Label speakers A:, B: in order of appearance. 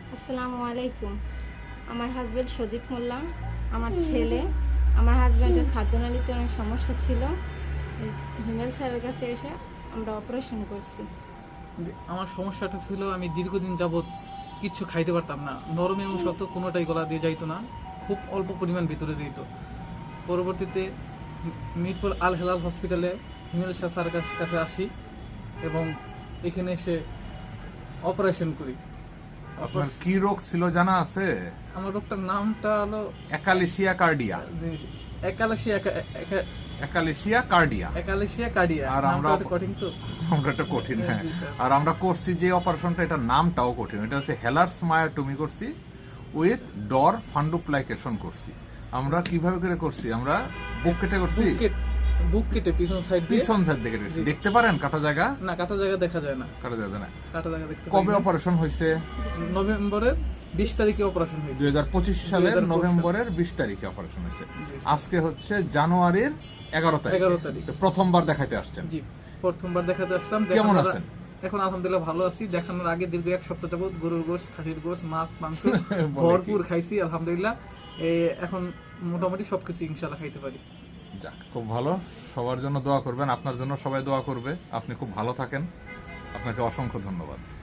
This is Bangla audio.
A: আসসালামু আলাইকুম। আমার হাজব্যান্ড সজীব মোল্লা, আমার ছেলে, আমার হাজব্যান্ডের খাদ্যনালীতে অনেক সমস্যা ছিল। হিমেল স্যারের কাছে এসে আমরা অপারেশন করছি।
B: আমার সমস্যাটা ছিল আমি দীর্ঘদিন যাবৎ কিচ্ছু খাইতে পারতাম না, নরম এবং শক্ত কোনোটাই গলা দিয়ে যাইতো না, খুব অল্প পরিমাণ ভিতরে যেত। পরবর্তীতে মিরপুর আল হেলাল হসপিটালে হিমেল শাহ স্যারের কাছে আসি এবং এখানে এসে অপারেশন করি।
C: আপনার কি রোগ ছিল জানা আছে?
B: আমার রোগটার নামটা হলো
C: একালেশিয়া কার্ডিয়া। একালেশিয়া কার্ডিয়া।
B: একালেশিয়া কার্ডিয়া।
C: আর আমরা
B: কঠিন তো,
C: আমরা একটা কঠিন, হ্যাঁ। আর আমরা করছি যে অপারেশনটা, এটা নামটাও কঠিন। এটা হচ্ছে হেলার্স মায়োটমি করছি উইথ ডর ফান্ডুপ্লাইকেশন করছি। আমরা কিভাবে করে করছি? আমরা বুক কেটে করছি,
B: বুক কেটে পিছন সাইড দিয়ে,
C: পিছন সাইড থেকে করছি। দেখতে পারেন কাটা জায়গা?
B: না, কাটা জায়গা দেখা যায় না।
C: কাটা জায়গা না।
B: কাটা জায়গা দেখতে পাই
C: কবে
B: না।
C: অপারেশন হয়েছে?
B: নভেম্বরের 20 তারিখে অপারেশন হয়েছে।
C: 2025 সালের
B: 2025
C: নভেম্বরের 20 তারিখে অপারেশন হয়েছে। আজকে হচ্ছে জানুয়ারির 11 তারিখ।
B: 11 তারিখ।
C: তো প্রথমবার দেখাইতে আসছেন।
B: জি, প্রথমবার দেখাতে আসলাম।
C: কেমন আছেন?
B: এখন আলহামদুলিল্লাহ ভালো আছি। দেখানোর আগে দীর্ঘ এক সপ্তাহ যাবত গরুর গোশত, খাসির গোশত, মাছ, মাংস ভরপুর খাইছি আলহামদুলিল্লাহ। এখন মোটামুটি সবকিছু ইনশাআল্লাহ খাইতে পারি।
C: যাক, খুব ভালো। সবার জন্য দোয়া করবেন, আপনার জন্য সবাই দোয়া করবে। আপনি খুব ভালো থাকেন। আপনাকে অসংখ্য ধন্যবাদ।